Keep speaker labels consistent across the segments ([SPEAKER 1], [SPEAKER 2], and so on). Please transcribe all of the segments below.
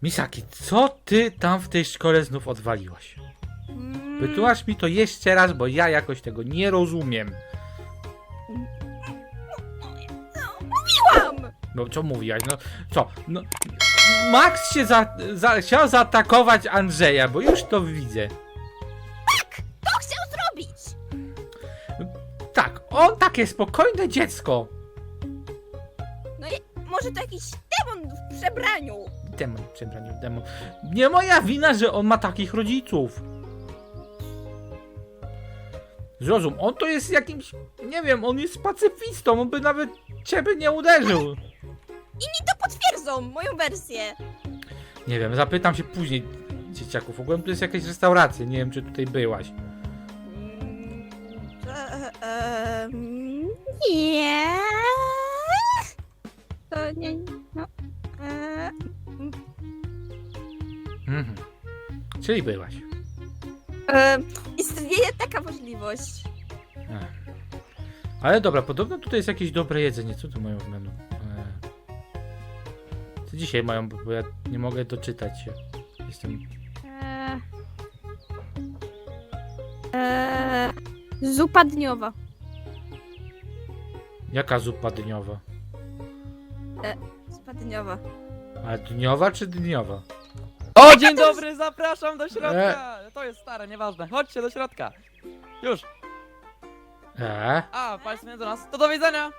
[SPEAKER 1] Misaki, co ty tam w tej szkole znów odwaliłaś? Wytłumacz mi to jeszcze raz, bo ja jakoś tego nie rozumiem.
[SPEAKER 2] Mówiłam!
[SPEAKER 1] No co mówiłaś? No co? No, Max się chciał zaatakować Andrzeja, bo już to widzę.
[SPEAKER 2] To chciał zrobić!
[SPEAKER 1] Tak, on takie spokojne dziecko.
[SPEAKER 2] No i może to jakiś demon w przebraniu.
[SPEAKER 1] Demon, przebraniu, demon. Nie moja wina, że on ma takich rodziców. Zrozum, on to jest jakimś, nie wiem, on jest pacyfistą, on by nawet ciebie nie uderzył.
[SPEAKER 2] Inni to potwierdzą, moją wersję.
[SPEAKER 1] Nie wiem, zapytam się później dzieciaków. Ogółem tu jest jakaś restauracja, nie wiem czy tutaj byłaś.
[SPEAKER 2] Nie. To nie, no.
[SPEAKER 1] Mhm. Czyli byłaś.
[SPEAKER 2] Istnieje taka możliwość.
[SPEAKER 1] Ale dobra, podobno tutaj jest jakieś dobre jedzenie. Co tu mają w menu? Co dzisiaj mają, bo ja nie mogę doczytać się. Jestem...
[SPEAKER 2] Zupa dniowa.
[SPEAKER 1] Jaka zupa dniowa?
[SPEAKER 2] Zupa dniowa.
[SPEAKER 1] A dniowa czy dniowa?
[SPEAKER 3] O, dzień dobry, zapraszam do środka! To jest stare, nieważne. Chodźcie do środka. Już. A, państwo nie do nas. To do widzenia!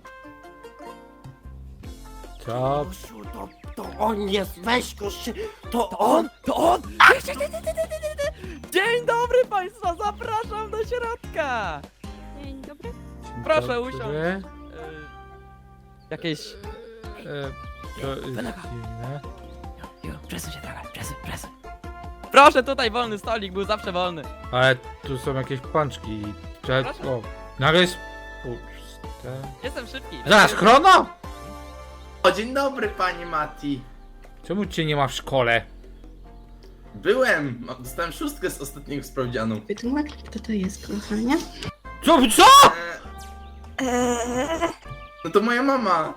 [SPEAKER 1] Co?
[SPEAKER 4] Gosiu, to on jest, weź go się, to on!
[SPEAKER 3] To on! Dzień dobry państwa, zapraszam do środka!
[SPEAKER 2] Dzień dobry.
[SPEAKER 3] Proszę
[SPEAKER 1] Dobry.
[SPEAKER 3] usiąść. Jakieś...
[SPEAKER 1] To jest dziwne.
[SPEAKER 4] Przesuń się trochę, przesuń.
[SPEAKER 3] Proszę, tutaj wolny stolik, był zawsze wolny.
[SPEAKER 1] Ale tu są jakieś pączki.
[SPEAKER 3] Proszę.
[SPEAKER 1] O, nagle jest puste.
[SPEAKER 3] Jestem szybki.
[SPEAKER 1] Zaraz, chrono!
[SPEAKER 5] O, dzień dobry, panie Mati.
[SPEAKER 1] Czemu cię nie ma w szkole?
[SPEAKER 5] Byłem, dostałem szóstkę z ostatniego sprawdzianu.
[SPEAKER 6] Wytłumacz, kto to jest, kochanie?
[SPEAKER 1] Co?
[SPEAKER 5] No to moja mama.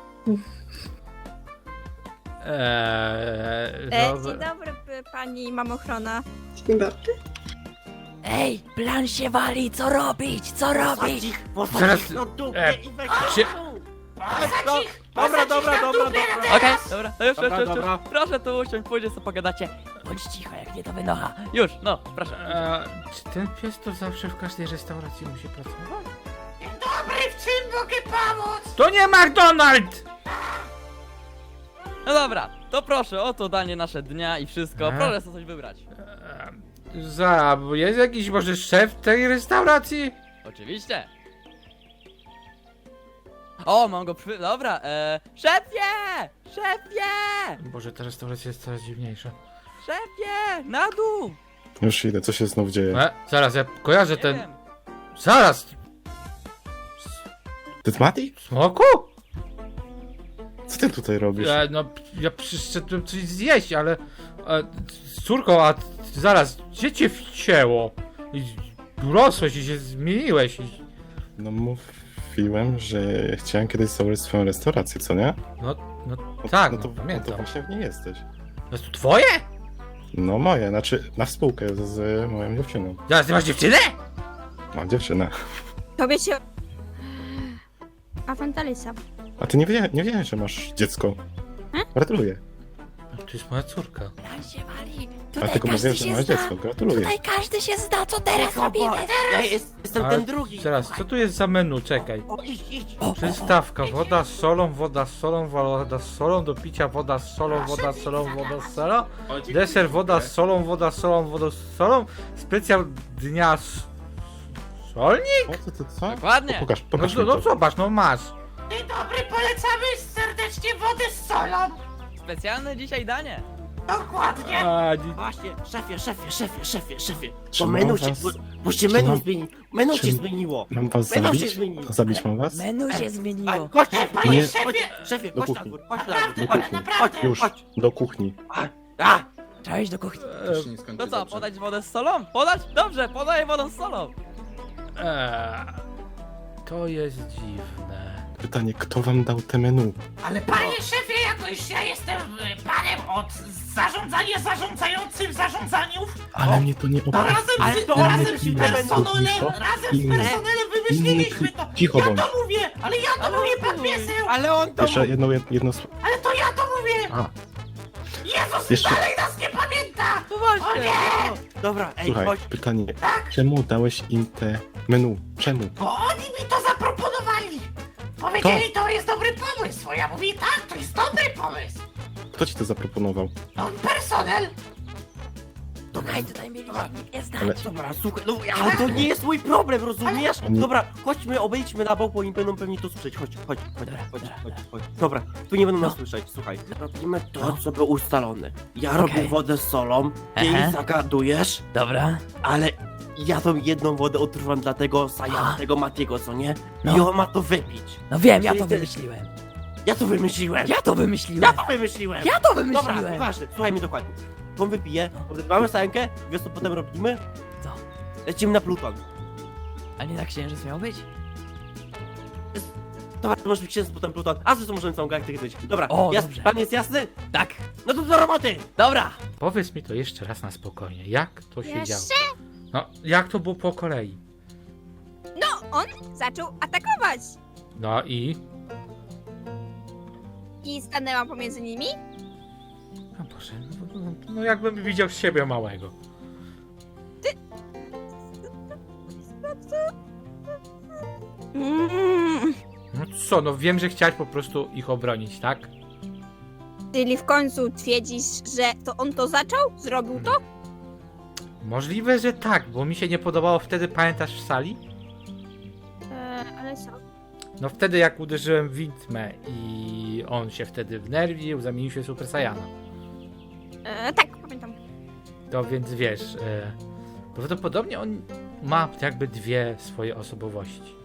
[SPEAKER 2] Dzień dobry, pani mamochrona.
[SPEAKER 6] Dzień dobry.
[SPEAKER 4] Ej, plan się wali, co robić, Posadź
[SPEAKER 1] Zaraz,
[SPEAKER 4] ich na dupę i weź
[SPEAKER 1] się-
[SPEAKER 3] Dobra. Okej, dobra, to już.
[SPEAKER 4] Dobra.
[SPEAKER 3] Proszę tu usiąść, pójdzie sobie pogadacie.
[SPEAKER 4] Bądź cicho, jak nie to wynocha.
[SPEAKER 3] Już, no, proszę.
[SPEAKER 1] Czy ten pies to zawsze w każdej restauracji musi pracować?
[SPEAKER 4] Dobry, w czym mogę pomóc?
[SPEAKER 1] To nie McDonald's!
[SPEAKER 3] No dobra, to proszę, oto danie nasze dnia i wszystko.
[SPEAKER 1] Aha.
[SPEAKER 3] Proszę sobie coś wybrać.
[SPEAKER 1] Bo jest jakiś może szef tej restauracji?
[SPEAKER 3] Oczywiście. O, mam go przy... Dobra, szefie!
[SPEAKER 1] Boże, ta restauracja jest coraz dziwniejsza.
[SPEAKER 3] Szefie! Na dół!
[SPEAKER 7] Już idę, co się znów dzieje?
[SPEAKER 1] Zaraz, ja kojarzę
[SPEAKER 3] Nie
[SPEAKER 1] ten...
[SPEAKER 3] wiem.
[SPEAKER 1] Zaraz!
[SPEAKER 7] Ty Mati?
[SPEAKER 1] Smoku?
[SPEAKER 7] Co ty tutaj robisz?
[SPEAKER 1] No, ja przyszedłem coś zjeść, ale... z córką, a zaraz, gdzie cię wcięło? I urosłeś i się zmieniłeś i...
[SPEAKER 7] No mówiłem, że chciałem kiedyś założyć swoją restaurację, co nie?
[SPEAKER 1] No tak,
[SPEAKER 7] no to
[SPEAKER 1] pamiętam.
[SPEAKER 7] właśnie w niej jesteś.
[SPEAKER 1] To jest tu twoje?
[SPEAKER 7] No moje, znaczy na współkę z moją dziewczyną.
[SPEAKER 1] Zaraz, ty masz dziewczynę?
[SPEAKER 7] Mam dziewczynę.
[SPEAKER 2] Tobie się... Awantalisa.
[SPEAKER 7] A ty nie wiedziałem, że masz dziecko. Gratuluję.
[SPEAKER 1] To jest moja córka.
[SPEAKER 4] Plan się wali.
[SPEAKER 7] A
[SPEAKER 4] Tutaj
[SPEAKER 7] tylko
[SPEAKER 4] każdy
[SPEAKER 7] mówiłem, że
[SPEAKER 4] się
[SPEAKER 7] masz
[SPEAKER 4] zna.
[SPEAKER 7] dziecko. Gratuluję.
[SPEAKER 4] Tutaj każdy się zna, co teraz robimy.
[SPEAKER 5] Ja jestem
[SPEAKER 1] Ale
[SPEAKER 5] ten drugi.
[SPEAKER 1] Zaraz, co tu jest za menu? Czekaj.
[SPEAKER 5] O, idź.
[SPEAKER 1] Przystawka, woda z solą, woda z solą, do picia woda z solą, woda z solą, woda z solą,
[SPEAKER 5] O, dziękuję.
[SPEAKER 1] deser woda z solą, woda z solą, specjal dnia solnik?
[SPEAKER 7] O, co?
[SPEAKER 3] Dokładnie.
[SPEAKER 7] Pokaż mi
[SPEAKER 1] No
[SPEAKER 7] to.
[SPEAKER 1] zobacz, no masz.
[SPEAKER 4] Dzień dobry, polecamy serdecznie wody z solą.
[SPEAKER 3] Specjalne dzisiaj danie.
[SPEAKER 4] Dokładnie.
[SPEAKER 5] Właśnie, szefie.
[SPEAKER 7] Czy
[SPEAKER 5] Bo
[SPEAKER 7] mam
[SPEAKER 5] menu się...
[SPEAKER 7] was-
[SPEAKER 5] Bo się
[SPEAKER 7] czy
[SPEAKER 5] menu
[SPEAKER 7] mam-
[SPEAKER 5] zmieniło. Menu
[SPEAKER 7] czy-
[SPEAKER 5] się zmieniło.
[SPEAKER 7] Mam was
[SPEAKER 5] Menu się
[SPEAKER 7] zabić?
[SPEAKER 5] zmieniło.
[SPEAKER 7] Zabić mam was?
[SPEAKER 4] Menu się zmieniło.
[SPEAKER 5] Chodź,
[SPEAKER 7] Nie.
[SPEAKER 5] szefie,
[SPEAKER 7] Do
[SPEAKER 5] chodź na
[SPEAKER 7] kuchni.
[SPEAKER 5] dwór, chodź na
[SPEAKER 7] Do
[SPEAKER 5] dwór.
[SPEAKER 7] kuchni.
[SPEAKER 5] Chodź,
[SPEAKER 7] Już,
[SPEAKER 5] chodź.
[SPEAKER 7] do kuchni.
[SPEAKER 5] A,
[SPEAKER 4] Trzeba iść do kuchni.
[SPEAKER 3] To co, podać wodę z solą? Podać? Dobrze, podaję wodę z solą.
[SPEAKER 1] To jest dziwne.
[SPEAKER 7] Pytanie, kto wam dał te menu?
[SPEAKER 4] Ale panie szefie, jakoś ja jestem panem
[SPEAKER 8] od zarządzania zarządzającym zarządzaniów,
[SPEAKER 7] Ale mnie to nie
[SPEAKER 8] to
[SPEAKER 7] obchodzi.
[SPEAKER 8] razem z
[SPEAKER 7] inny
[SPEAKER 8] personelem,
[SPEAKER 7] cicho,
[SPEAKER 8] razem z
[SPEAKER 7] inny-
[SPEAKER 8] personelem wymyśliliśmy to.
[SPEAKER 7] Cicho
[SPEAKER 8] Ja
[SPEAKER 7] bądź.
[SPEAKER 8] to mówię, ale ja to mówię, pan pieseł.
[SPEAKER 4] Ale on to...
[SPEAKER 7] Jeszcze jedno
[SPEAKER 8] Ale to ja to mówię.
[SPEAKER 7] A,
[SPEAKER 8] Jezus
[SPEAKER 7] Jeszcze-
[SPEAKER 8] dalej nas nie pamięta.
[SPEAKER 3] No właśnie!
[SPEAKER 4] Dobra, ej,
[SPEAKER 7] słuchaj,
[SPEAKER 4] chodź.
[SPEAKER 7] pytanie. Czemu dałeś im te menu? Czemu?
[SPEAKER 8] Bo oni mi to zaproponowali. Powiedzieli, to jest dobry pomysł. Ja mówię, tak, to jest dobry pomysł.
[SPEAKER 7] Kto ci to zaproponował?
[SPEAKER 8] No personel.
[SPEAKER 3] Tutaj mieli nie znać.
[SPEAKER 7] Ale
[SPEAKER 4] Dobra, słuchaj, no ale to nie jest mój problem, rozumiesz?
[SPEAKER 7] Oni-
[SPEAKER 4] Dobra, chodźmy, obejdźmy na bok, bo oni będą pewnie to słyszeć. Chodź. Dobra, tu nie będą nas słyszeć, słuchaj. Robimy to, co było ustalone. Ja robię wodę z solą, ty
[SPEAKER 3] Aha.
[SPEAKER 4] zagadujesz,
[SPEAKER 3] Dobra.
[SPEAKER 4] ale ja tą jedną wodę odrywam dla tego Sajana, tego Matiego, co nie? I
[SPEAKER 3] No.
[SPEAKER 4] on ma to wypić.
[SPEAKER 3] No wiem, ja
[SPEAKER 4] Czyli
[SPEAKER 3] to
[SPEAKER 4] ty-
[SPEAKER 3] wymyśliłem.
[SPEAKER 4] Ja to wymyśliłem!
[SPEAKER 3] Ja to wymyśliłem.
[SPEAKER 4] Ja to wymyśliłem!
[SPEAKER 3] Ja to
[SPEAKER 4] Dobra,
[SPEAKER 3] wymyśliłem.
[SPEAKER 4] nieważne, słuchaj mnie dokładnie. On wypije, odrywamy Sajankę, wiesz co potem robimy?
[SPEAKER 3] Co?
[SPEAKER 4] Lecimy na Pluton.
[SPEAKER 3] A nie na księżyc miał być?
[SPEAKER 4] Dobra, to może być księżyc, potem Pluton, a zresztą możemy całą galaktykę być. Dobra,
[SPEAKER 3] O,
[SPEAKER 4] jasny,
[SPEAKER 3] dobrze.
[SPEAKER 4] pan jest jasny?
[SPEAKER 3] Tak.
[SPEAKER 4] No to do roboty!
[SPEAKER 3] Dobra.
[SPEAKER 1] Powiedz mi to jeszcze raz na spokojnie. Jak to się
[SPEAKER 2] Jeszcze?
[SPEAKER 1] działo? No, jak to było po kolei?
[SPEAKER 2] No, on zaczął atakować.
[SPEAKER 1] No i...
[SPEAKER 2] I stanęłam pomiędzy nimi.
[SPEAKER 1] O Boże, no jakbym widział siebie małego.
[SPEAKER 2] Mm.
[SPEAKER 1] No co, no wiem, że chciałeś po prostu ich obronić, tak?
[SPEAKER 2] Czyli w końcu twierdzisz, że to on to zaczął? Zrobił to?
[SPEAKER 1] Możliwe, że tak, bo mi się nie podobało wtedy, pamiętasz w sali?
[SPEAKER 2] Ale co?
[SPEAKER 1] No wtedy jak uderzyłem w widmę i on się wtedy wnerwił, zamienił się w Super Saiyana.
[SPEAKER 2] Tak, pamiętam.
[SPEAKER 1] To więc wiesz, prawdopodobnie on ma jakby dwie swoje osobowości.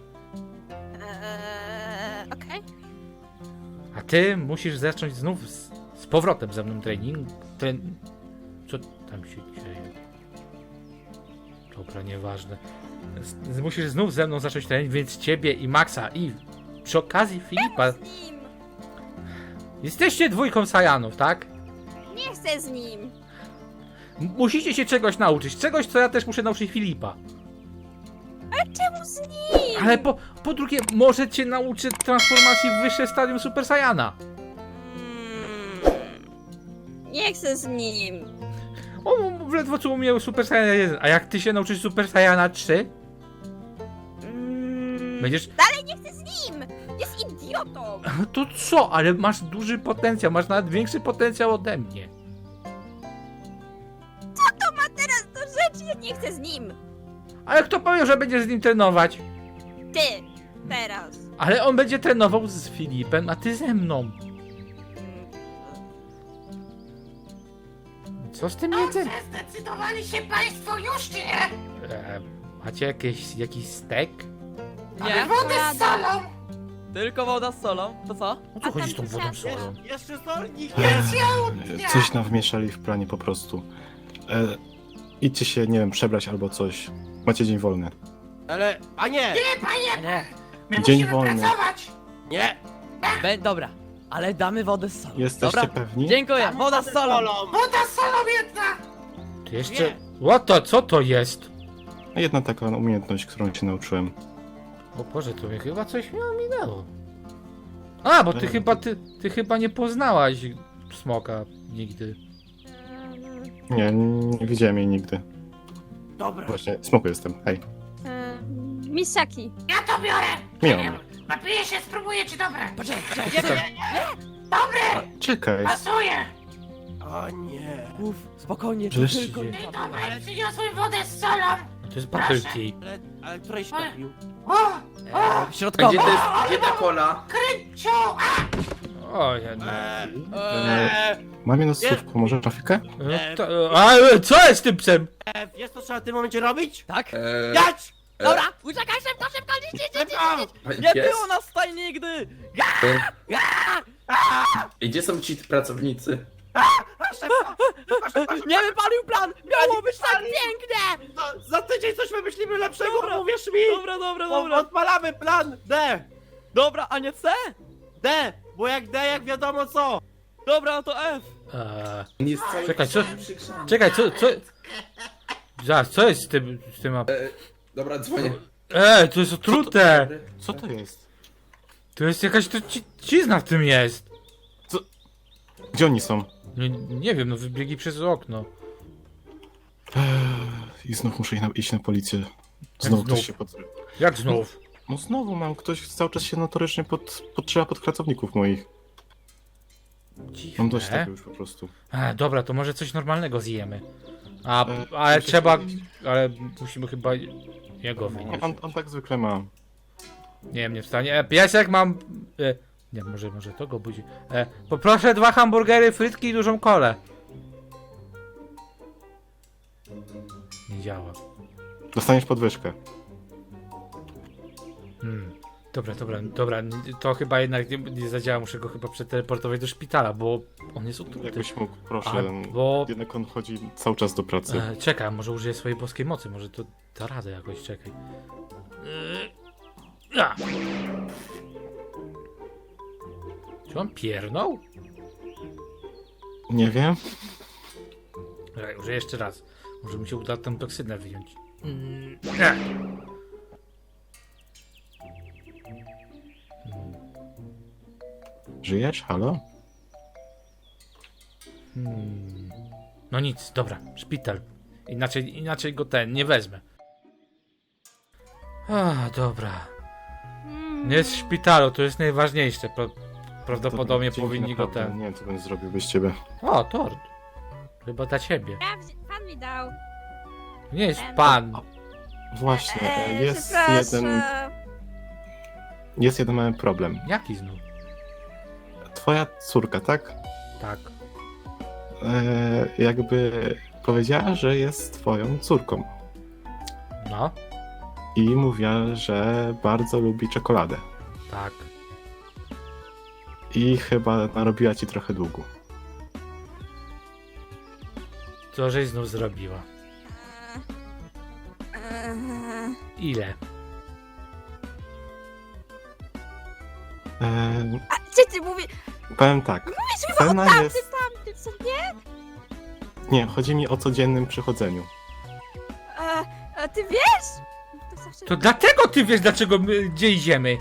[SPEAKER 2] Okej.
[SPEAKER 1] A ty musisz zacząć znów z powrotem ze mną trening. Co tam się dzieje? Dobra, nieważne. Musisz znów ze mną zacząć trening, więc ciebie i Maxa i przy okazji Filipa.
[SPEAKER 2] Z nim!
[SPEAKER 1] Jesteście dwójką Saiyanów, tak?
[SPEAKER 2] Nie chcę z nim!
[SPEAKER 1] Musicie się czegoś nauczyć. Czegoś, co ja też muszę nauczyć Filipa.
[SPEAKER 2] Czemu z nim?
[SPEAKER 1] Ale po drugie, może cię nauczy transformacji w wyższe stadium Super Saiyana.
[SPEAKER 2] Nie chcę z nim.
[SPEAKER 1] On ledwo co umiał Super Saiyana 1. A jak ty się nauczysz Super Saiyana 3, będziesz...
[SPEAKER 2] Dalej nie chcę z nim! Jest idiotą!
[SPEAKER 1] To co? Ale masz duży potencjał. Masz nawet większy potencjał ode mnie.
[SPEAKER 2] To ma teraz do rzeczy, ja nie chcę z nim!
[SPEAKER 1] Ale kto powie, że będziesz z nim trenować?
[SPEAKER 2] Ty! Teraz.
[SPEAKER 1] Ale on będzie trenował z Filipem, a ty ze mną. Co z tym jedzeniem?
[SPEAKER 8] Zdecydowali się państwo już, czy nie?
[SPEAKER 1] Macie jakiś stek?
[SPEAKER 3] Nie.
[SPEAKER 8] Wodę z solą.
[SPEAKER 3] Tylko woda z solą. To co?
[SPEAKER 1] O co chodzi z tą wodą solą?
[SPEAKER 4] Jeszcze solnik
[SPEAKER 7] coś nam wmieszali w planie po prostu. Idźcie się, nie wiem, przebrać albo coś. Macie dzień wolny.
[SPEAKER 4] Ale, a nie!
[SPEAKER 8] Nie, panie,
[SPEAKER 3] Nie.
[SPEAKER 8] my
[SPEAKER 7] Dzień
[SPEAKER 8] musimy
[SPEAKER 7] wolny.
[SPEAKER 8] pracować.
[SPEAKER 4] Nie!
[SPEAKER 3] Dobra. Ale damy wodę z solą.
[SPEAKER 7] Jesteście
[SPEAKER 3] Dobra.
[SPEAKER 7] pewni?
[SPEAKER 3] Dziękuję. Woda z solą.
[SPEAKER 8] Woda z solą jedna.
[SPEAKER 1] Ty jeszcze... What to? Co to jest?
[SPEAKER 7] Jedna taka umiejętność, którą się nauczyłem.
[SPEAKER 1] O Boże, to mnie chyba coś mi ominęło. A, bo ty chyba nie poznałaś smoka nigdy.
[SPEAKER 7] Nie widziałem jej nigdy.
[SPEAKER 4] Dobra.
[SPEAKER 7] Właśnie, smoku jestem. Hej.
[SPEAKER 2] Misaki.
[SPEAKER 8] Ja to biorę.
[SPEAKER 7] Miło.
[SPEAKER 8] Napiję się, spróbuję, czy dobre.
[SPEAKER 3] Poczekaj.
[SPEAKER 8] Dobre,
[SPEAKER 7] Czekaj.
[SPEAKER 8] pasuje.
[SPEAKER 4] O nie.
[SPEAKER 3] Uf, spokojnie. To
[SPEAKER 7] Żeś-
[SPEAKER 3] tylko...
[SPEAKER 8] Ej, dobra, przyniosłem wodę z solą.
[SPEAKER 1] To jest Battle Tea.
[SPEAKER 4] Ale której się napił?
[SPEAKER 8] O,
[SPEAKER 3] Środkowa.
[SPEAKER 9] Gdzie to jest, gdzie ta kola?
[SPEAKER 8] Kryciu.
[SPEAKER 1] O, ja nie.
[SPEAKER 7] Mam jedno słówko, może trafikę?
[SPEAKER 1] Co jest z tym psem?
[SPEAKER 4] Wiesz co trzeba w tym momencie robić?
[SPEAKER 3] Tak?
[SPEAKER 4] Jać!
[SPEAKER 3] Dobra. Uciekaj szybko, szybko.
[SPEAKER 4] Szybko!
[SPEAKER 3] Nie było nas tutaj nigdy.
[SPEAKER 9] I gdzie są ci pracownicy?
[SPEAKER 3] Nie wypalił plan. Miało być tak pięknie.
[SPEAKER 4] Za tydzień coś wymyślimy lepszego,
[SPEAKER 3] Dobra.
[SPEAKER 4] uwierz mi!
[SPEAKER 3] Dobra.
[SPEAKER 4] Odpalamy plan D!
[SPEAKER 3] Dobra, a nie C?
[SPEAKER 4] D! Bo jak D, jak wiadomo co!
[SPEAKER 3] Dobra, no to F.
[SPEAKER 9] Nie z całym
[SPEAKER 1] Czekaj, co?
[SPEAKER 9] przykrzami.
[SPEAKER 1] Czekaj, co? Zaraz, co jest z tym
[SPEAKER 9] Dobra, dzwonię.
[SPEAKER 1] to jest otrute!
[SPEAKER 7] Co to jest?
[SPEAKER 1] To jest jakaś trucizna w tym jest!
[SPEAKER 7] Gdzie oni są?
[SPEAKER 1] Nie wiem, no wybiegli przez okno.
[SPEAKER 7] I znów muszę iść na policję. Znowu
[SPEAKER 1] znów?
[SPEAKER 7] ktoś się
[SPEAKER 1] Jak znów?
[SPEAKER 7] No znowu mam, ktoś cały czas się notorycznie podszywa pod pracowników moich. Mam dość
[SPEAKER 1] Dziwne.
[SPEAKER 7] tego już po prostu.
[SPEAKER 1] Dobra, to może coś normalnego zjemy. Ale
[SPEAKER 7] muszę
[SPEAKER 1] trzeba...
[SPEAKER 7] powiedzieć-
[SPEAKER 1] Ale musimy chyba jego wynieść.
[SPEAKER 7] Nie, on tak zwykle ma.
[SPEAKER 1] Nie wiem, nie wstanie. Piesek mam... nie, może to go budzi. Poproszę 2 hamburgery, frytki i dużą kolę. Nie działa.
[SPEAKER 7] Dostaniesz podwyżkę.
[SPEAKER 1] Dobra, to chyba jednak nie zadziała, muszę go chyba przeteleportować do szpitala, bo on jest otruty.
[SPEAKER 7] Jakbyś mógł, proszę.
[SPEAKER 1] Bo...
[SPEAKER 7] Jednak on chodzi cały czas do pracy.
[SPEAKER 1] Czekaj, może użyję swojej boskiej mocy, może to da radę jakoś, czekaj. Czy on piernął?
[SPEAKER 7] Nie wiem.
[SPEAKER 1] Czekaj, użyję jeszcze raz. Może mi się uda tę toksynę wyjąć.
[SPEAKER 7] Żyjesz? Halo?
[SPEAKER 1] No nic, dobra, szpital. Inaczej go nie wezmę. Dobra. Nie jest w szpitalu, to jest najważniejsze. Prawdopodobnie
[SPEAKER 7] Dzięki,
[SPEAKER 1] powinni go
[SPEAKER 7] naprawdę.
[SPEAKER 1] ten...
[SPEAKER 7] Nie wiem, co bym zrobił bez ciebie.
[SPEAKER 1] O, tort. Chyba dla ciebie.
[SPEAKER 2] Pan mi dał.
[SPEAKER 1] Nie jest pan.
[SPEAKER 7] Właśnie, jest
[SPEAKER 2] Przepraszam.
[SPEAKER 7] jeden mały problem.
[SPEAKER 1] Jaki znów?
[SPEAKER 7] Twoja córka, tak?
[SPEAKER 1] Tak.
[SPEAKER 7] Jakby powiedziała, że jest twoją córką.
[SPEAKER 1] No,
[SPEAKER 7] I mówiła, że bardzo lubi czekoladę.
[SPEAKER 1] tak.
[SPEAKER 7] I chyba narobiła ci trochę długu.
[SPEAKER 1] Co żeś znów zrobiła? Ile?
[SPEAKER 2] A co ty mówisz?
[SPEAKER 7] Powiem tak.
[SPEAKER 2] Mówisz mi
[SPEAKER 7] Cena
[SPEAKER 2] o tamtym,
[SPEAKER 7] jest...
[SPEAKER 2] co nie?
[SPEAKER 7] Nie, chodzi mi o codziennym przychodzeniu.
[SPEAKER 2] A ty wiesz? To zawsze...
[SPEAKER 1] To dlatego ty wiesz, dlaczego my gdzie idziemy.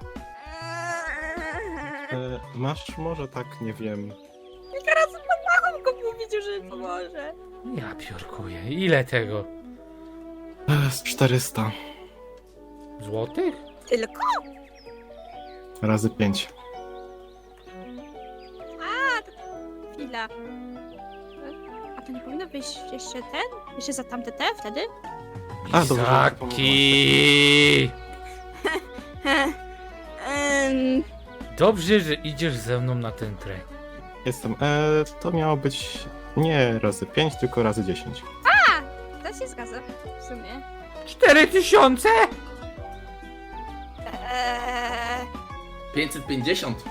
[SPEAKER 7] Masz może tak, nie wiem...
[SPEAKER 2] Teraz pan Machon go powiedział, że pomoże.
[SPEAKER 1] Ja piórkuję. Ile tego?
[SPEAKER 7] Z 400
[SPEAKER 1] Złotych?
[SPEAKER 2] Tylko?
[SPEAKER 7] razy 5.
[SPEAKER 2] Chwila. A to nie powinno być jeszcze ten? Jeszcze za tamte te wtedy?
[SPEAKER 7] A, dobrze, że to
[SPEAKER 1] Izaki! Dobrze, że idziesz ze mną na ten trek.
[SPEAKER 7] Jestem. To miało być nie razy 5, tylko razy 10.
[SPEAKER 2] To się zgadza, w sumie.
[SPEAKER 1] 4000?
[SPEAKER 9] 550.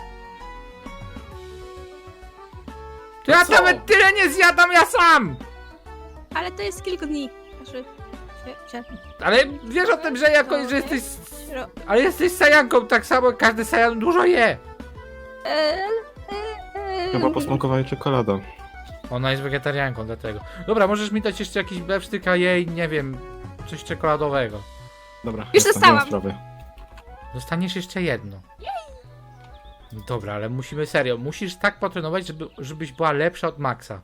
[SPEAKER 1] To ja
[SPEAKER 9] co?
[SPEAKER 1] nawet tyle nie zjadam ja sam!
[SPEAKER 2] Ale to jest kilku dni. Znaczy...
[SPEAKER 1] Ale wiesz o tym, że jakoś, że jesteś... Ale jesteś sajanką, tak samo każdy sajan dużo je.
[SPEAKER 7] Chyba posmakowała czekolada.
[SPEAKER 1] Ona jest wegetarianką, dlatego. Dobra, możesz mi dać jeszcze jakiś bewsztyk, a jej, nie wiem, coś czekoladowego.
[SPEAKER 7] Dobra,
[SPEAKER 2] Już
[SPEAKER 7] nie ma
[SPEAKER 2] dostałam.
[SPEAKER 7] sprawy.
[SPEAKER 1] Dostaniesz jeszcze jedno. No dobra, ale musimy serio, musisz tak potrenować, żebyś była lepsza od Maxa.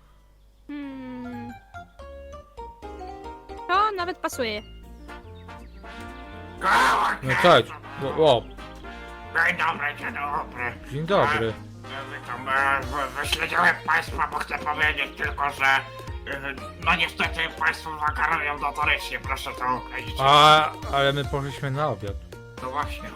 [SPEAKER 2] To nawet pasuje.
[SPEAKER 1] No cześć. O,
[SPEAKER 8] Dzień dobry.
[SPEAKER 1] dzień dobry.
[SPEAKER 8] Witam, wyśledziłem państwa, bo chcę powiedzieć tylko, że no niestety państwo zakarują notorycznie, proszę to określić.
[SPEAKER 1] Ale my poszliśmy na obiad.
[SPEAKER 8] No właśnie.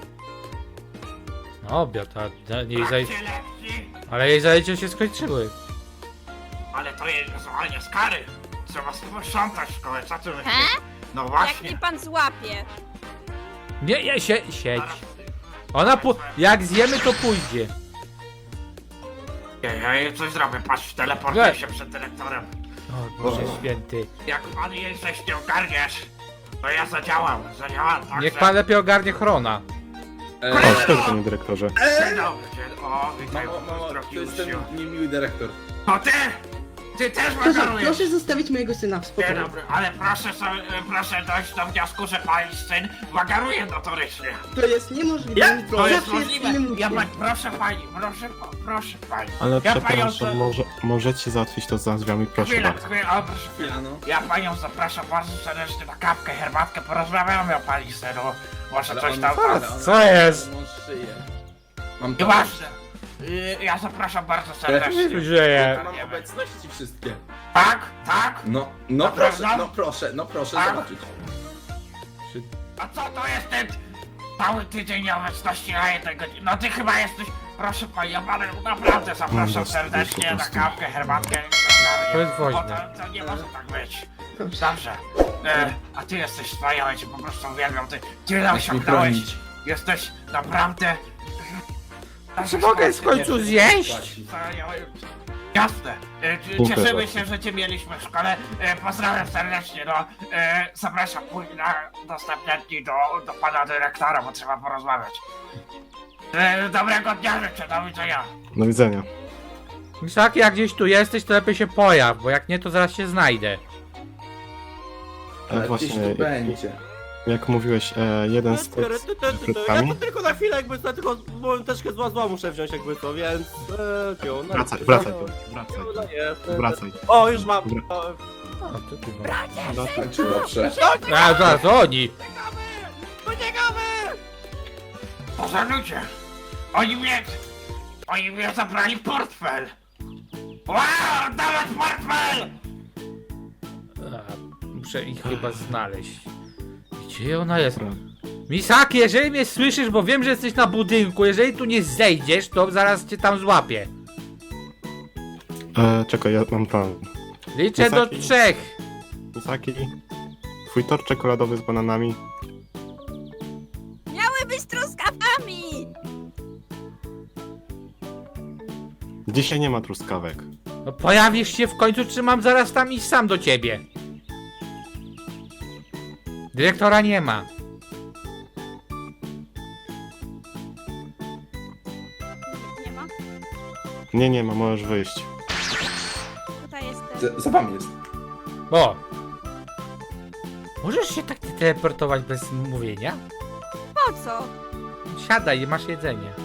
[SPEAKER 1] Na obiad, a jej
[SPEAKER 8] Trakcie lekcji,
[SPEAKER 1] ale jej zajęcia się skończyły.
[SPEAKER 8] ale to jest zwolnienie z kary. Trzeba sprzątać szkołę, co ty myślisz?
[SPEAKER 2] He?
[SPEAKER 8] No
[SPEAKER 2] Jak
[SPEAKER 8] właśnie.
[SPEAKER 2] mnie pan złapie.
[SPEAKER 1] Nie, siedź.
[SPEAKER 8] Zaraz-
[SPEAKER 1] Ona jak zjemy, to pójdzie.
[SPEAKER 8] Ja jej coś zrobię, patrz, teleportuję się przed dyrektorem.
[SPEAKER 1] O Boże święty.
[SPEAKER 8] Jak pan jej coś nie ogarniesz, to ja zadziałam, tak?
[SPEAKER 1] Niech pan lepiej ogarnie Chrona.
[SPEAKER 7] O, szczerze, panie dyrektorze.
[SPEAKER 8] Dzień dobry, o, witaj,
[SPEAKER 9] Mamo,
[SPEAKER 8] drogi
[SPEAKER 9] to jest ten
[SPEAKER 8] uczniu.
[SPEAKER 9] niemiły dyrektor.
[SPEAKER 8] To ty! Ty też
[SPEAKER 6] Proszę,
[SPEAKER 8] wagarujesz!
[SPEAKER 6] proszę zostawić mojego syna w
[SPEAKER 8] Dzień
[SPEAKER 6] spokoju.
[SPEAKER 8] dobry, ale proszę dojść do wniosku, że pani syn wagaruje notorycznie.
[SPEAKER 6] To jest niemożliwe.
[SPEAKER 8] To jest
[SPEAKER 6] Zawsze
[SPEAKER 8] możliwe.
[SPEAKER 6] innym
[SPEAKER 8] Ja
[SPEAKER 6] uczniem.
[SPEAKER 8] proszę pani, proszę pani.
[SPEAKER 7] Ale
[SPEAKER 8] Ja
[SPEAKER 7] przepraszam,
[SPEAKER 8] panią
[SPEAKER 7] możecie załatwić to za drzwiami, proszę
[SPEAKER 8] Chwila,
[SPEAKER 7] bardzo.
[SPEAKER 8] chwila, o, proszę chwilę.
[SPEAKER 9] no.
[SPEAKER 8] Ja panią zapraszam bardzo serdecznie na kawkę, herbatkę, porozmawiamy o pani synu. Może coś tam...
[SPEAKER 1] Co jest?
[SPEAKER 9] On szyje. Mam to.
[SPEAKER 8] Nieważne. Ja zapraszam bardzo serdecznie.
[SPEAKER 1] Co się dzieje?
[SPEAKER 9] Mam obecności wszystkie.
[SPEAKER 8] Tak, tak?
[SPEAKER 9] No
[SPEAKER 8] Naprawdę?
[SPEAKER 9] proszę
[SPEAKER 8] Tak?
[SPEAKER 9] zobaczyć.
[SPEAKER 8] A co to jest ten cały tydzień nieobecności na jednej godzinie? No ty chyba jesteś... Proszę pani, ja panu naprawdę zapraszam
[SPEAKER 7] No,
[SPEAKER 8] serdecznie
[SPEAKER 7] po
[SPEAKER 8] na
[SPEAKER 7] prostu.
[SPEAKER 8] kawkę, herbatkę.
[SPEAKER 1] To jest
[SPEAKER 8] Bo
[SPEAKER 1] woźne.
[SPEAKER 8] to nie może tak być.
[SPEAKER 6] Dobrze.
[SPEAKER 8] Dobrze. A ty jesteś wspaniały, cię po prostu uwielbiam. Ty tyle
[SPEAKER 9] Masz mi
[SPEAKER 8] osiągnąłeś.
[SPEAKER 9] bronić.
[SPEAKER 8] Jesteś naprawdę...
[SPEAKER 1] Czy mogę w końcu zjeść?
[SPEAKER 8] Wspaniały. Jasne. Cieszymy się, że cię mieliśmy w szkole. Pozdrawiam serdecznie. No, zapraszam później na następne dni do pana dyrektora, bo trzeba porozmawiać. Dobrego dnia życzę, do widzenia.
[SPEAKER 7] Do widzenia.
[SPEAKER 1] Misaki, jak gdzieś tu jesteś, to lepiej się pojaw, bo jak nie, to zaraz się znajdę.
[SPEAKER 9] Ale
[SPEAKER 7] Właśnie,
[SPEAKER 9] gdzieś tu będzie.
[SPEAKER 7] jak mówiłeś, jeden z tych z
[SPEAKER 4] Ja
[SPEAKER 7] krótkami.
[SPEAKER 4] to tylko na chwilę jakby co, tylko bo troszkę zła muszę wziąć jakby co, więc... no,
[SPEAKER 7] Wracaj,
[SPEAKER 4] no,
[SPEAKER 7] wracaj.
[SPEAKER 4] O, już mam.
[SPEAKER 7] Dobra.
[SPEAKER 4] O,
[SPEAKER 1] O, co ty masz?
[SPEAKER 9] Zakończył dobrze.
[SPEAKER 1] A, zaraz, oni!
[SPEAKER 8] Boże ludzie! Oni mnie zabrali portfel! Wow, dawać portfel!
[SPEAKER 1] Muszę ich chyba znaleźć. Gdzie ona jest? Misaki, jeżeli mnie słyszysz, bo wiem, że jesteś na budynku, jeżeli tu nie zejdziesz, to zaraz cię tam złapię.
[SPEAKER 7] Czekaj, ja mam plan.
[SPEAKER 1] Liczę do
[SPEAKER 7] Misaki?
[SPEAKER 1] 3.
[SPEAKER 7] Misaki, twój tort czekoladowy z bananami.
[SPEAKER 2] Miały być truskawkami!
[SPEAKER 7] Dzisiaj nie ma truskawek.
[SPEAKER 1] No pojawisz się w końcu, czy mam zaraz tam iść sam do ciebie? Dyrektora nie ma.
[SPEAKER 2] Nie ma?
[SPEAKER 7] Nie ma, możesz wyjść.
[SPEAKER 2] Tutaj jestem.
[SPEAKER 9] Za wami jest.
[SPEAKER 1] O! Możesz się tak teleportować bez mówienia?
[SPEAKER 2] Po co?
[SPEAKER 1] Siadaj, masz jedzenie.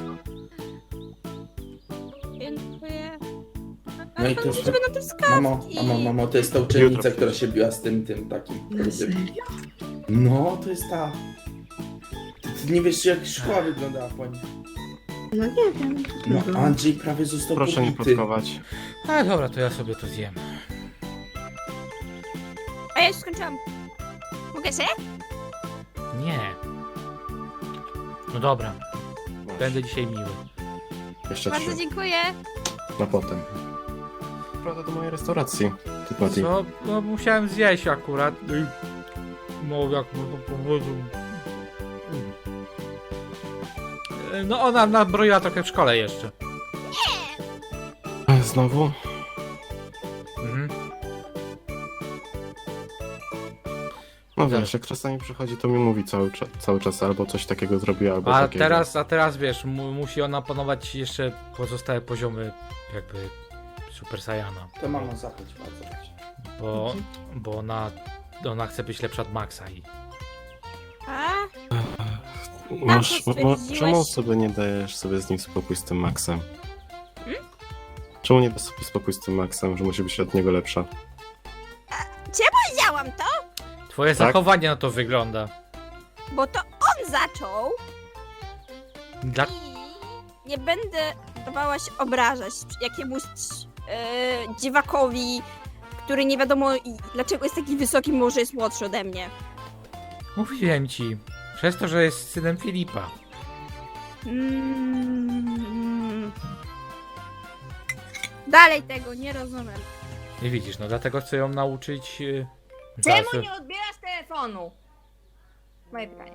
[SPEAKER 2] Dziękuję.
[SPEAKER 9] No i to
[SPEAKER 2] to
[SPEAKER 9] jest-
[SPEAKER 2] będą truskawki.
[SPEAKER 9] Mamo, to jest ta uczennica, która się biła z tym takim.
[SPEAKER 6] Na serio?
[SPEAKER 9] No, to jest ta. Ty nie wiesz, jak szkoła wyglądała po niej.
[SPEAKER 6] No nie wiem.
[SPEAKER 9] No,
[SPEAKER 6] Trudno.
[SPEAKER 9] Andrzej prawie został
[SPEAKER 7] Proszę nie
[SPEAKER 9] pobity.
[SPEAKER 7] plotkować.
[SPEAKER 1] A dobra, to ja sobie to zjem.
[SPEAKER 2] A ja już skończyłam. Mogę się?
[SPEAKER 1] Nie. No dobra, będę dzisiaj miły.
[SPEAKER 7] Jeszcze
[SPEAKER 2] Bardzo
[SPEAKER 7] 3.
[SPEAKER 2] dziękuję.
[SPEAKER 7] Na potem. Prawda do mojej restauracji. Ty, Patty.
[SPEAKER 1] Co? No musiałem zjeść akurat. No jak można powiedzieć. No ona nabroiła trochę w szkole jeszcze.
[SPEAKER 7] Znowu?
[SPEAKER 1] Mhm.
[SPEAKER 7] No wiesz, jak czasami przychodzi, to mi mówi cały czas albo coś takiego zrobiła, albo
[SPEAKER 1] A
[SPEAKER 7] takiego.
[SPEAKER 1] teraz wiesz, musi ona panować jeszcze pozostałe poziomy jakby Super Saiyana.
[SPEAKER 9] To mamo, zapłać bardzo.
[SPEAKER 1] Bo ona chce być lepsza od Maxa i...
[SPEAKER 2] A?
[SPEAKER 7] Masz,
[SPEAKER 2] Na co stwierdziłeś?
[SPEAKER 7] czemu sobie nie dajesz sobie z nim spokój z tym Maxem? Czemu nie dasz sobie spokój z tym Maxem, że musi być od niego lepsza?
[SPEAKER 2] Powiedziałam to,
[SPEAKER 1] Twoje
[SPEAKER 7] Tak?
[SPEAKER 1] zachowanie na to wygląda.
[SPEAKER 2] bo to on zaczął
[SPEAKER 1] Dla...
[SPEAKER 2] i nie będę dawała się obrażać jakiemuś dziwakowi, który nie wiadomo dlaczego jest taki wysoki, może jest młodszy ode mnie.
[SPEAKER 1] Mówiłem ci, przez to, że jest synem Filipa.
[SPEAKER 2] Dalej tego nie rozumiem.
[SPEAKER 1] Nie widzisz, no dlatego chcę ją nauczyć...
[SPEAKER 10] Czemu nie odbierasz telefonu? Moje pytanie.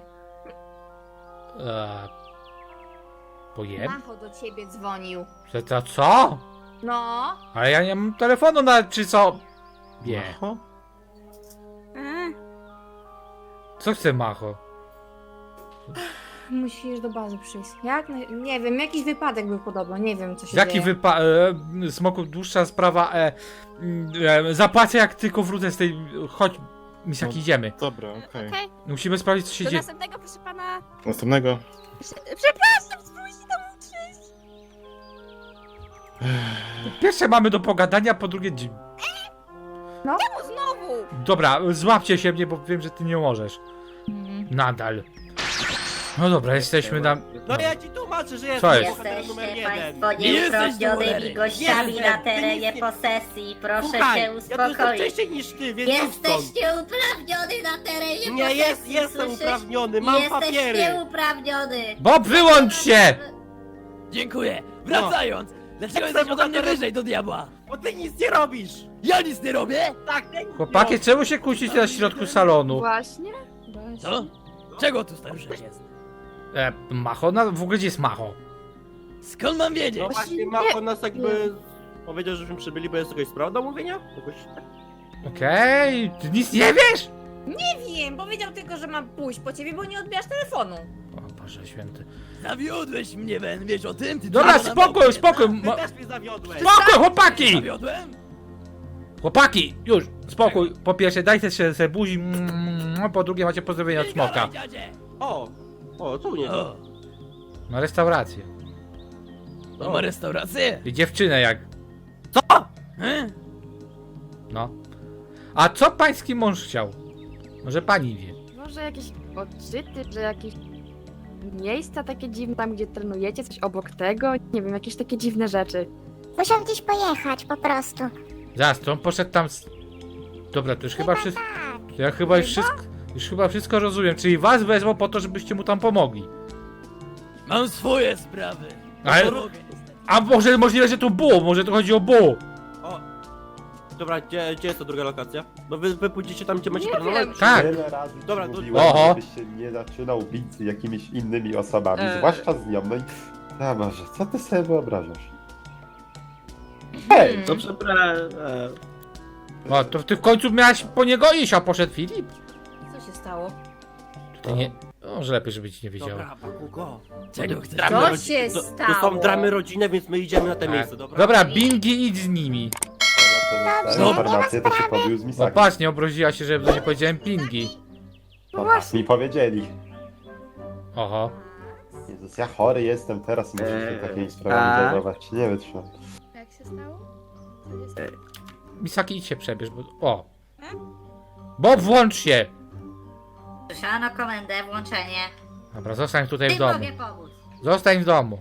[SPEAKER 1] Pojem?
[SPEAKER 10] Macho do ciebie dzwonił.
[SPEAKER 1] Że to co?
[SPEAKER 10] No.
[SPEAKER 1] Ale ja nie mam telefonu na... czy co? Nie.
[SPEAKER 7] Macho?
[SPEAKER 2] A,
[SPEAKER 1] Co chce Macho?
[SPEAKER 10] Musisz do bazy przyjść. Jak? Nie wiem, jakiś wypadek był podobno, nie wiem co się
[SPEAKER 1] Jaki
[SPEAKER 10] dzieje.
[SPEAKER 1] Smoku, dłuższa sprawa. Zapłacę jak tylko wrócę z tej. Chodź, Misaki, idziemy.
[SPEAKER 7] Dobra, okej.
[SPEAKER 2] Okej,
[SPEAKER 1] Musimy sprawdzić, co się
[SPEAKER 2] do
[SPEAKER 1] dzieje.
[SPEAKER 2] następnego, proszę pana.
[SPEAKER 7] Następnego.
[SPEAKER 2] Przepraszam, spróbujcie tam utrzeć.
[SPEAKER 1] Po pierwsze mamy do pogadania, po drugie.
[SPEAKER 2] Czemu znowu?
[SPEAKER 1] Dobra, złapcie się mnie, bo wiem, że ty nie możesz. Nadal. No dobra, jesteśmy na.
[SPEAKER 4] No ja ci tłumaczę, że
[SPEAKER 1] Co
[SPEAKER 4] jestem
[SPEAKER 1] jest?
[SPEAKER 4] bohaterem numer
[SPEAKER 10] Jesteście
[SPEAKER 4] 1.
[SPEAKER 10] państwo
[SPEAKER 3] Nie jesteś
[SPEAKER 10] nieuprawnionymi
[SPEAKER 3] numerem.
[SPEAKER 10] gościami
[SPEAKER 4] Jestem,
[SPEAKER 10] na
[SPEAKER 4] ty
[SPEAKER 10] terenie
[SPEAKER 4] nic nie-
[SPEAKER 10] posesji. Proszę
[SPEAKER 4] Słuchaj,
[SPEAKER 10] się
[SPEAKER 4] ja tu jestem
[SPEAKER 10] uspokoić.
[SPEAKER 4] wcześniej niż ty, więc idź stąd.
[SPEAKER 10] Jesteś nieuprawniony na terenie
[SPEAKER 4] Nie,
[SPEAKER 10] posesji,
[SPEAKER 4] jestem
[SPEAKER 10] słyszysz?
[SPEAKER 4] uprawniony, mam
[SPEAKER 10] Jesteś
[SPEAKER 4] papiery.
[SPEAKER 10] nieuprawniony.
[SPEAKER 1] Bob, wyłącz się!
[SPEAKER 3] Dziękuję. Wracając. Dlaczego
[SPEAKER 4] Jestem
[SPEAKER 3] jesteś ode mnie
[SPEAKER 4] bohaterem-
[SPEAKER 3] wyżej do diabła?
[SPEAKER 4] Bo ty nic nie robisz.
[SPEAKER 3] Ja nic nie robię?
[SPEAKER 4] Tak, ty nic
[SPEAKER 1] Chłopaki,
[SPEAKER 4] nie
[SPEAKER 1] czemu się kłócicie na środku salonu?
[SPEAKER 6] Właśnie?
[SPEAKER 3] Co? Czego tu staruszek jest?
[SPEAKER 1] Macho? W ogóle gdzie jest Macho?
[SPEAKER 3] Skąd mam
[SPEAKER 4] robisz.
[SPEAKER 3] wiedzieć?
[SPEAKER 4] No właśnie, Mako nas jakby powiedział, żebyśmy przybyli, bo jest jakaś sprawa do omówienia? Jakoś...
[SPEAKER 1] Okej, ty nic nie wiesz?
[SPEAKER 10] Nie wiem, powiedział tylko, że mam pójść po ciebie, bo nie odbierasz telefonu.
[SPEAKER 1] O Boże święty.
[SPEAKER 3] Zawiodłeś mnie, Ben, wiesz o tym? Ty
[SPEAKER 1] Dobra,
[SPEAKER 3] tylko na
[SPEAKER 1] spokój,
[SPEAKER 3] boku,
[SPEAKER 1] spokój!
[SPEAKER 4] Ty też mnie zawiodłeś.
[SPEAKER 1] Spokój, chłopaki!
[SPEAKER 3] Zawiodłem?
[SPEAKER 1] Chłopaki, już, spokój. Po pierwsze, dajcie się buzi, po drugie macie pozdrowienia od Smoka.
[SPEAKER 3] Gadaj, dziadzie.
[SPEAKER 4] O, co u niego?
[SPEAKER 3] O,
[SPEAKER 1] Na restaurację.
[SPEAKER 3] to ma restaurację?
[SPEAKER 1] I dziewczynę jak,
[SPEAKER 4] Co?
[SPEAKER 1] no. A co pański mąż chciał? Może pani wie.
[SPEAKER 6] Może jakieś odczyty, że jakieś miejsca takie dziwne, tam gdzie trenujecie, coś obok tego, nie wiem, jakieś takie dziwne rzeczy.
[SPEAKER 11] Musiał gdzieś pojechać, po prostu.
[SPEAKER 1] Zaraz, to on poszedł tam z... Dobra, to już chyba wszystko... Ja chyba już chyba wszystko rozumiem, czyli was wezwał po to, żebyście mu tam pomogli.
[SPEAKER 3] Mam swoje sprawy.
[SPEAKER 1] Ale-
[SPEAKER 3] Nie mogę niestety.
[SPEAKER 1] A może możliwe, że to było, może to chodzi o Bu.
[SPEAKER 4] Dobra, gdzie jest ta druga lokacja? No wy pójdziecie tam, gdzie macie trenować?
[SPEAKER 1] Tak.
[SPEAKER 12] Wiele razy ci
[SPEAKER 4] Dobra, to-
[SPEAKER 12] mówiłem,
[SPEAKER 1] Oho.
[SPEAKER 12] żebyś się nie zaczynał bić z jakimiś innymi osobami, zwłaszcza z nią, no i... A Boże, co ty sobie wyobrażasz? Hej!
[SPEAKER 4] To przepraszam.
[SPEAKER 1] O, to ty w końcu miałaś po niego iść, a poszedł Filip?
[SPEAKER 10] Co się stało?
[SPEAKER 1] Ty nie... Może lepiej, żeby ci nie wiedział.
[SPEAKER 4] Dobra, Bakugo.
[SPEAKER 3] Czego chcesz?
[SPEAKER 4] Dramy
[SPEAKER 10] Co
[SPEAKER 4] rodzi-
[SPEAKER 10] się
[SPEAKER 4] to
[SPEAKER 10] stało?
[SPEAKER 4] są dramy rodzinne, więc my idziemy na te
[SPEAKER 1] Tak.
[SPEAKER 4] miejsce, dobra?
[SPEAKER 1] Dobra, Bingi, idź z nimi.
[SPEAKER 12] Dobrze,
[SPEAKER 3] No.
[SPEAKER 12] informację to się pobił z
[SPEAKER 1] No
[SPEAKER 12] Misaki.
[SPEAKER 1] patrz, nie obraziła się, że nie powiedziałem Pingi.
[SPEAKER 12] No tak mi powiedzieli.
[SPEAKER 1] Oho.
[SPEAKER 12] Jezus, ja chory jestem teraz i muszę się takimi sprawami zajmować. Nie wytrzymam.
[SPEAKER 2] Jak się stało?
[SPEAKER 1] Misaki, idź się przebierz, bo... O. Bob, włącz się!
[SPEAKER 10] Słyszano komendę, włączenie.
[SPEAKER 1] Dobra, zostań tutaj w
[SPEAKER 10] Ty
[SPEAKER 1] domu.
[SPEAKER 10] mogę pomóc.
[SPEAKER 1] Zostań w domu.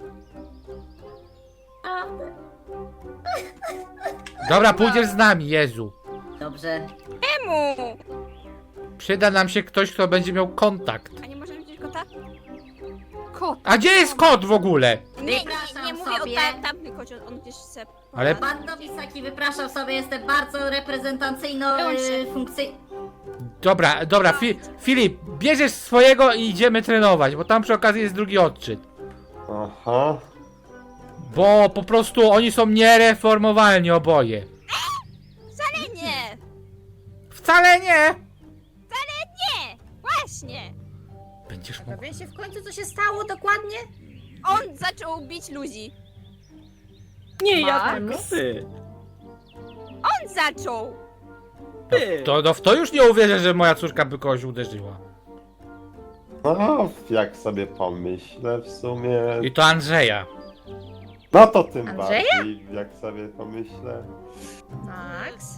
[SPEAKER 1] Dobra, pójdziesz z nami, Jezu.
[SPEAKER 10] Dobrze.
[SPEAKER 2] Czemu?
[SPEAKER 1] Przyda nam się ktoś, kto będzie miał kontakt.
[SPEAKER 2] A nie możemy widzieć kota?
[SPEAKER 6] Kot!
[SPEAKER 1] A gdzie jest kot w ogóle?
[SPEAKER 2] Nie
[SPEAKER 10] Wypraszam
[SPEAKER 2] mówię
[SPEAKER 10] sobie.
[SPEAKER 2] o tamtym kocie, on gdzieś chce...
[SPEAKER 1] Ale-
[SPEAKER 10] Pan Nobisaki, wypraszam sobie, jestem bardzo reprezentacyjną
[SPEAKER 2] Wyłącz się.
[SPEAKER 10] funkcją.
[SPEAKER 1] Dobra, Filip, bierzesz swojego i idziemy trenować, bo tam przy okazji jest drugi odczyt.
[SPEAKER 12] Aha.
[SPEAKER 1] Bo po prostu oni są niereformowalni oboje.
[SPEAKER 2] Nie!
[SPEAKER 1] Wcale nie!
[SPEAKER 2] Nie! Właśnie!
[SPEAKER 1] Będziesz mógł...
[SPEAKER 10] Wiecie w końcu co się stało dokładnie?
[SPEAKER 2] On zaczął bić ludzi.
[SPEAKER 6] Nie,
[SPEAKER 10] ja
[SPEAKER 4] Ty,
[SPEAKER 2] On zaczął!
[SPEAKER 4] ty.
[SPEAKER 1] To w to już nie uwierzę, że moja córka by kogoś uderzyła.
[SPEAKER 12] No, jak sobie pomyślę w sumie...
[SPEAKER 1] I to Andrzeja.
[SPEAKER 12] No to tym
[SPEAKER 10] Andrzeja?
[SPEAKER 12] bardziej, jak sobie pomyślę...
[SPEAKER 10] Max?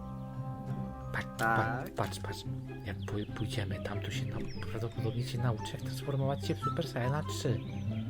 [SPEAKER 1] Patrz. Jak pójdziemy tam, to się prawdopodobnie cię nauczy, jak transformować się w Super Saiyana 3.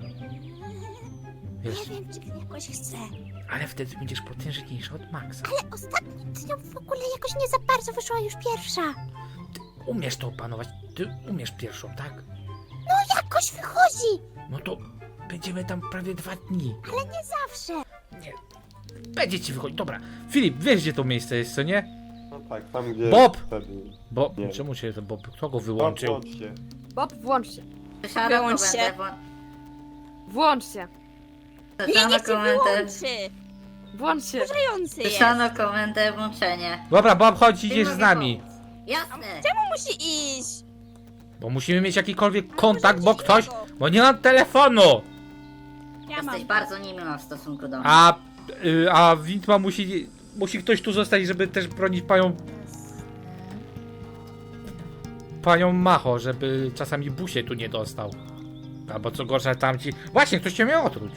[SPEAKER 1] Wiesz,
[SPEAKER 11] Nie wiem, czy jakoś chcę.
[SPEAKER 1] ale wtedy będziesz potężniejszy od Maxa.
[SPEAKER 11] Ale ostatnio dnią w ogóle jakoś nie za bardzo wyszła już pierwsza.
[SPEAKER 1] Umiesz to opanować, ty umiesz pierwszą, tak?
[SPEAKER 11] Jakoś wychodzi,
[SPEAKER 1] No to będziemy tam prawie 2 dni.
[SPEAKER 11] ale nie zawsze.
[SPEAKER 1] Będzie ci wychodzić, dobra. Filip, wiesz gdzie to miejsce jest, co nie?
[SPEAKER 12] No tak, tam gdzie...
[SPEAKER 1] Bob!
[SPEAKER 12] Wtedy...
[SPEAKER 1] Bo,
[SPEAKER 12] Nie.
[SPEAKER 1] czemu się to Bob, kto go
[SPEAKER 12] No,
[SPEAKER 1] wyłączył?
[SPEAKER 12] włącz się.
[SPEAKER 6] Bob, włącz się.
[SPEAKER 10] Słyszano
[SPEAKER 2] Wyłącz się.
[SPEAKER 10] komendę.
[SPEAKER 6] Włącz się.
[SPEAKER 2] Nie,
[SPEAKER 10] Słyszano
[SPEAKER 2] nie chcę
[SPEAKER 10] komendę.
[SPEAKER 2] wyłączy!
[SPEAKER 6] Włącz się.
[SPEAKER 2] Wkurzający jest!
[SPEAKER 10] Słyszano komendę włączenie.
[SPEAKER 1] Dobra, Bob, chodź,
[SPEAKER 10] Ty
[SPEAKER 1] idziesz z
[SPEAKER 10] mogę
[SPEAKER 1] nami.
[SPEAKER 10] pomóc. Jasne.
[SPEAKER 2] Czemu musi iść?
[SPEAKER 1] Bo musimy mieć jakikolwiek kontakt, bo nie mam telefonu!
[SPEAKER 2] Ja mam.
[SPEAKER 11] Jesteś bardzo niemiła w stosunku do mnie.
[SPEAKER 1] A Witma musi ktoś tu zostać, żeby też bronić panią Macho, żeby czasami busie tu nie dostał. Albo co gorsza tamci... Właśnie, ktoś cię miał otruć.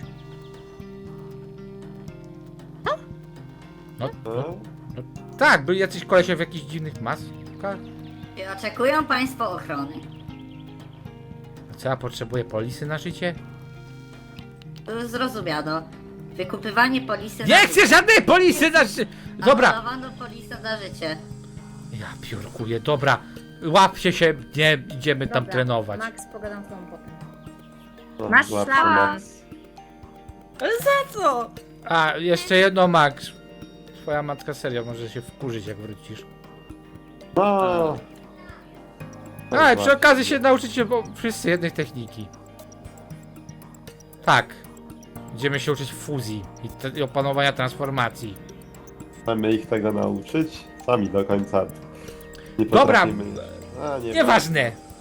[SPEAKER 1] No, tak, byli jacyś kolesie w jakichś dziwnych maskach.
[SPEAKER 11] Czy oczekują państwo ochrony?
[SPEAKER 1] A co ja potrzebuję polisy na życie?
[SPEAKER 11] Zrozumiano. Wykupywanie polisy
[SPEAKER 1] Nie chcę żadnej polisy na życie! Dobra!
[SPEAKER 11] Abolowano polisę na życie.
[SPEAKER 1] Ja piórkuję, dobra. Łapcie się, nie idziemy tam trenować.
[SPEAKER 10] Max, pogadam z tobą potem.
[SPEAKER 12] No,
[SPEAKER 10] Masz
[SPEAKER 12] łapcie,
[SPEAKER 10] szlaba.
[SPEAKER 12] Max.
[SPEAKER 2] Ale za co?
[SPEAKER 1] A, jeszcze jedno, Max. Twoja matka serio może się wkurzyć, jak wrócisz.
[SPEAKER 12] No.
[SPEAKER 1] A, i przy okazji się nauczycie wszyscy jednej techniki. Tak. Będziemy się uczyć fuzji i opanowania transformacji.
[SPEAKER 12] Mamy ich tego nauczyć? Sami do końca nie
[SPEAKER 1] Dobra,
[SPEAKER 12] potrafimy. A,
[SPEAKER 1] Nieważne.